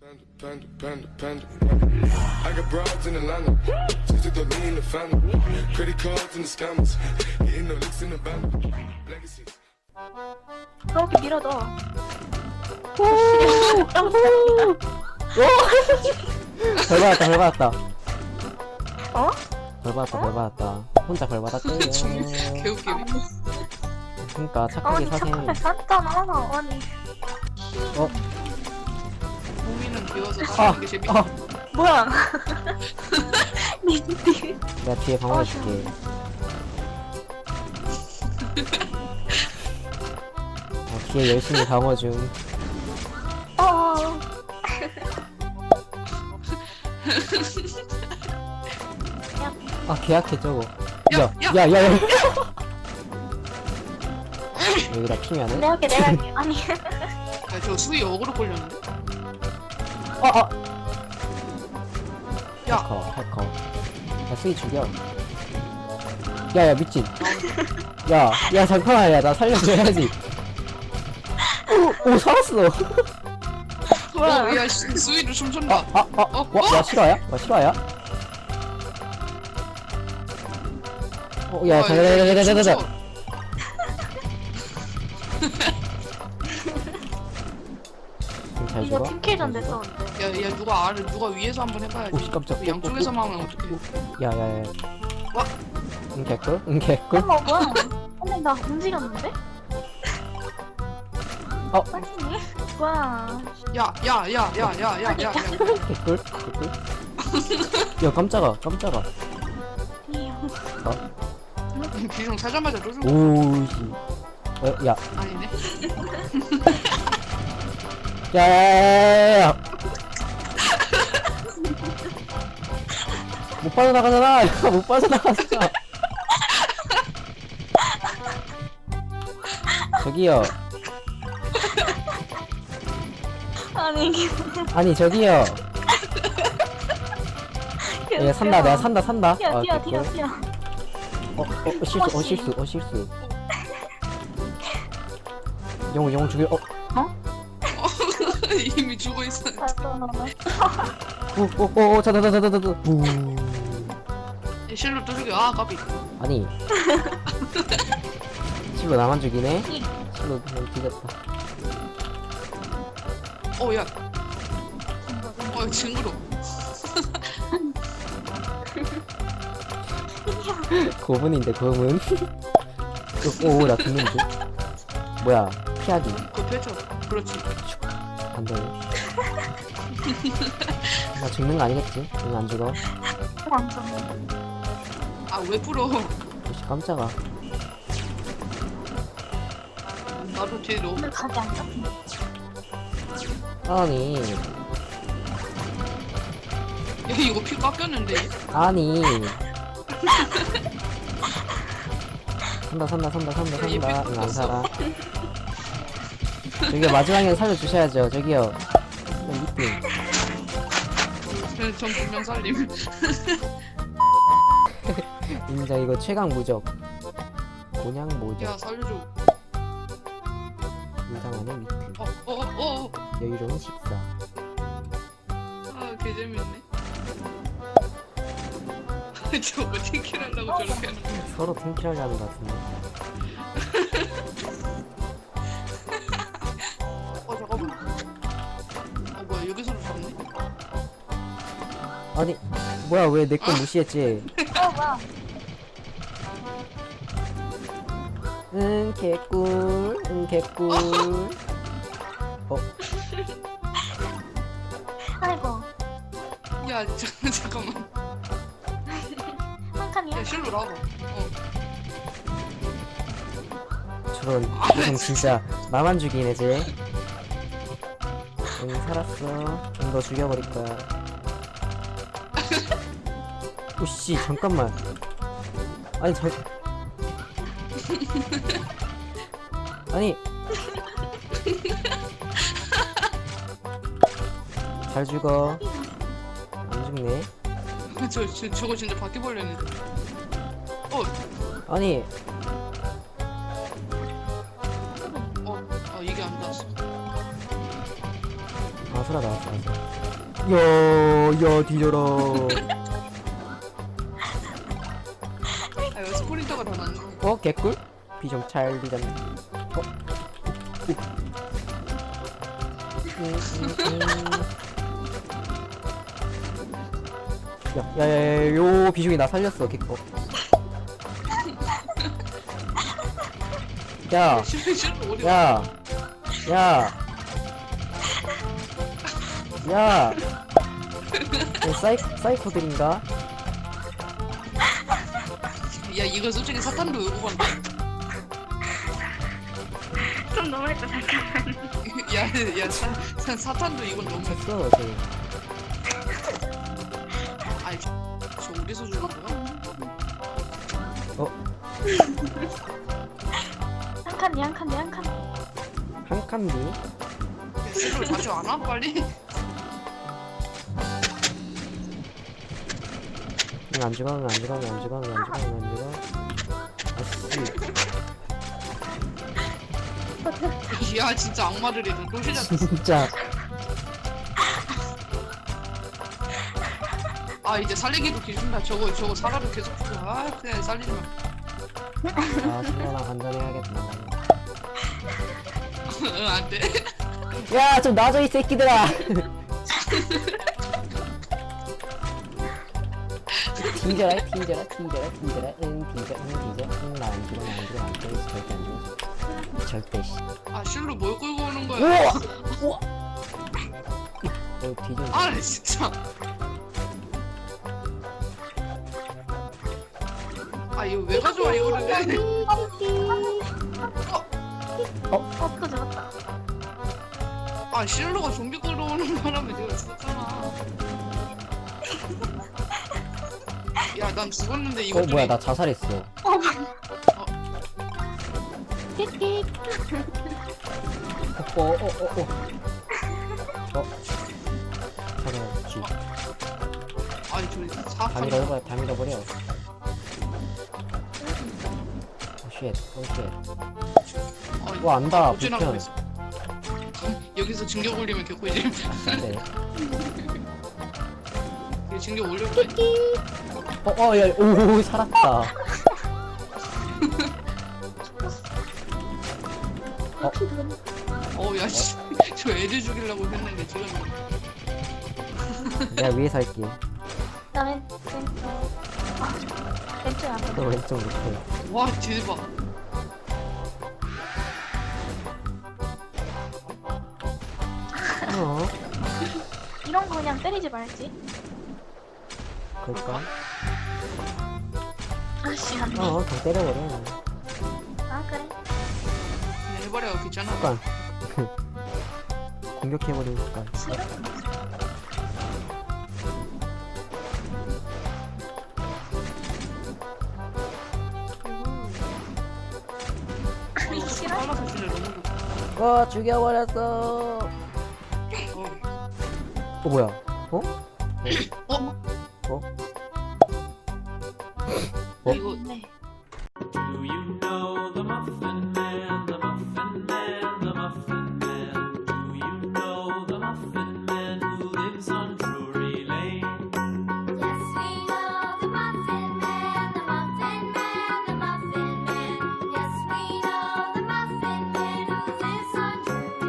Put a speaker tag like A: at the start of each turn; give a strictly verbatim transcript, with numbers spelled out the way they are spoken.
A: Panda, panda, panda. I got broads in Atlanta. Just to throw me in the family. Credit cards and the scammers. Hitting the licks in the band. Legacies.
B: 그렇게 밀어줘.
C: 벌 받았다 벌 받았다
B: 어?
C: 벌 받았다 벌 받았다 혼자 벌 받았대요.
D: 개웃기네.
C: 그니까 착하게
B: 아니
C: 사세.
B: 착하게 샀잖아. 아니
C: 어?
D: 고민은 비워서
C: 아!
D: 사는 게 재밌다.
C: 아!
B: 뭐야? 니띠.
C: 내가 뒤에 방어해줄게. 어, 뒤에 열심히 방어 중.
B: 어.
C: 아 계약해 저거.
D: 야,
C: 야,
D: 야.
C: 야, 야, 야. 여기다 피면은?
B: 내가 할게 내가 할게. 아니
D: 야, 저 수위 역으로 걸렸는데?
C: 어, 어.
D: 야.
C: 해커, 해커. 야, 스위 죽여. 야, 야, 미친. 야, 야, 잠깐만, 야, 나 살려줘야지. 오, 오, 살았어.
B: 뭐야?
D: 어, 야, 수- 수위를 춤춘다.
C: 아, 아,
D: 어?
C: 와, 와, 실화야? 와, 실화야? 어, 야, 자, 자, 자, 자, 자, 자, 자. 잘
B: 이거
C: 죽어?
B: 팀킬전 됐었는데.
D: 야, 야, 누가 아래, 누가 위에서 한번 해봐야지.
C: 오, 씨, 깜짝.
D: 그 양쪽에서만 하면 어떡해.
C: 야, 야, 야.
D: 와.
C: 응, 개꿀? 응, 개꿀?
B: 어머 뭐야? 근데 나 움직였는데?
C: 어.
B: 아니 뭐야?
D: 야, 야, 야, 야, 야, 야, 야, 야.
C: 개꿀? 개꿀? 야, 깜짝아, 깜짝아.
D: 비중 사자마자 또 죽어.
C: 오씨. 어, 야,
D: 아니네.
C: 야, 야, 야, 야. 못 빠져나가잖아. 이거 못 빠져나가잖아. 저기요.
B: 아니 이게
C: 아니 저기요. 야, 산다. 내가 산다. 산다.
B: 뛰어
C: 아,
B: 뛰어
C: 개꿀.
B: 뛰어 뛰어.
C: 어, 어, 어, 실수. 어, 실수. 어, 실수. 영웅, 영웅 죽여. 어,
D: 이미 죽어 있어.
C: 오, 오, 오, 오, 자다, 자다, 자다, 자다. 부.
D: 실로 또 죽여. 아, 까비.
C: 아니. 실로 나만 죽이네. 실로 그냥 뒤졌다.
D: 어, 야. 어, 징그러.
C: 고문인데 고문. 오, 오, 나 죽는데. 뭐야? 피하기.
D: 그거 펼쳐. 그렇지.
C: 안 되네. 나 죽는 거 아니겠지? 응, 안 죽어.
B: 완전.
D: 아, 왜 풀어?
C: 오씨, 깜짝아.
D: 나도 뒤에 너무.
B: 오늘 가지 않자.
C: 아니,
D: 야, 이거 피 깎였는데.
C: 아니. 산다, 산다, 산다, 산다,
D: 얘
C: 산다.
D: 삐
C: 응, 안 살아.
D: 깎았어.
C: 저기요, 마지막에 살려주셔야죠. 저기요. 이팅.
D: 전 분명 살림.
C: 인자 이거 최강 무적. 곤양 무적.
D: 야, 살려줘.
C: 이상하네 미트.
D: 어, 어, 어, 어.
C: 여유로운 식사.
D: 아, 개 재밌네. 저거 팅킬하려고 저렇게 하는 거야.
C: 서로 팀킬하려는 것 같은데.
D: 어, 잠깐만. 어, 뭐야, 여기서도 잡네.
C: 아니, 뭐야 왜 내 거 무시했지?
B: 어 뭐야?
C: 응 개꿀, 응 개꿀. 어,
B: 아이고
D: 야, 저, 잠깐만.
B: 한 칸이야?
D: 야, 실로 나와봐. 어.
C: 저런 형 진짜 나만 죽이네 쟤. 응 살았어. 좀 더 죽여버릴 거야. 오씨 잠깐만. 아니 저. 아니. 잘 죽어. 안 죽네.
D: 저, 저, 저거 진짜 바퀴벌레네. 어,
C: 아니
D: 어, 아, 이게 안 닿았어.
C: 아 소라 나왔어. 야야 뒤져라.
D: 아 이거 스프린터가 더 낫네.
C: 어 개꿀? 비정 잘 뒤졌네. 어? 음, 음, 음. 야야야 요 비중이 나 살렸어 개꺼. 야
D: 실패 실패 어디?
C: 야, 야, 야, 어, 사이 사이코들인가?
D: 야 이거 솔직히 사탄도 요구 간다.
B: 좀 너무했다 잠깐만.
D: 야야 사, 사, 사탄도 이건 너무.
C: 했어, 저.
D: 아니 저, 저 어디서 주는 거야?
C: 어,
B: 한 칸이 한 칸이 한 칸.
C: 한 칸디.
D: 야, 실로 자주 안 와 빨리.
C: 응, 안 죽어, 응, 안 죽어, 응, 안 죽어, 응, 안 죽어, 응, 안 죽어. 아씨,
D: 야 진짜 악마들이다. 또 시작.
C: 진짜.
D: 아 이제 살리기도 기준다. 저거 저거 사과도 계속 주고. 아 그냥 살리지 마.
C: 아, 신나랑 간단해야겠다.
D: 응 안돼.
C: 야, 좀 놔줘 이 새끼들아. 튕겨라, 튕겨라, 튕겨라, 튕겨라, 응, 튕겨, 응, 튕겨, 응, 나안 죽어, 나안 죽어, 안 죽어, 절대 안 죽어. 절대 씨.
D: 아 실로 뭘 끌고 오는 거야?
C: 우와! 우와! 어, 뒤져.
D: 아 진짜. 아 이거 왜 가져와 이거를?
B: 어, 또 죽었다.
D: 아 실로가 좀비 끌어오는 바람에 내가 죽었잖아. 야 난 죽었는데
C: 어,
D: 이것들이.
C: 뭐야, 나 자살했어.
B: 띡띡.
C: 어, 어, 어, 어, 어. 어. 잡아야지.
D: 아니 저기
C: 다
D: 사탄.
C: 밀어버려, 다 밀어버려. 오, 쉣, 오, 쉣.
D: 아니,
C: 와, 안다,
D: 어찌나
C: 불편.
D: 그랬어. 여기서 징계 올리면 개꿀지.
C: 네.
D: 이거 징계 올려.
C: 어, 어, 야, 오, 살았다. 어,
D: 어야 씨. 저 애들 죽이려고 했는데 지금.
C: 내가 위에서 할게.
B: 나 왼, 왼쪽. 아, 왼쪽 앞에.
C: 너 왼쪽 밑에.
D: 와 대박.
C: 어?
B: 이런 거 그냥 때리지 말지.
C: 그럴까?
B: 아씨, 안 돼.
C: 어, 그냥 때려버려.
B: 아, 그래.
D: 그냥 해버려 귀찮아.
C: 습관. 공격해버리는 습관.
B: 싫어?
D: 어,
B: 싫어?
D: 빨라서 진짜 너무 좋다.
C: 와, 죽여버렸어.
D: 어.
C: 어, 뭐야? 어?
D: 어?
C: 어?
D: 이거
B: 네.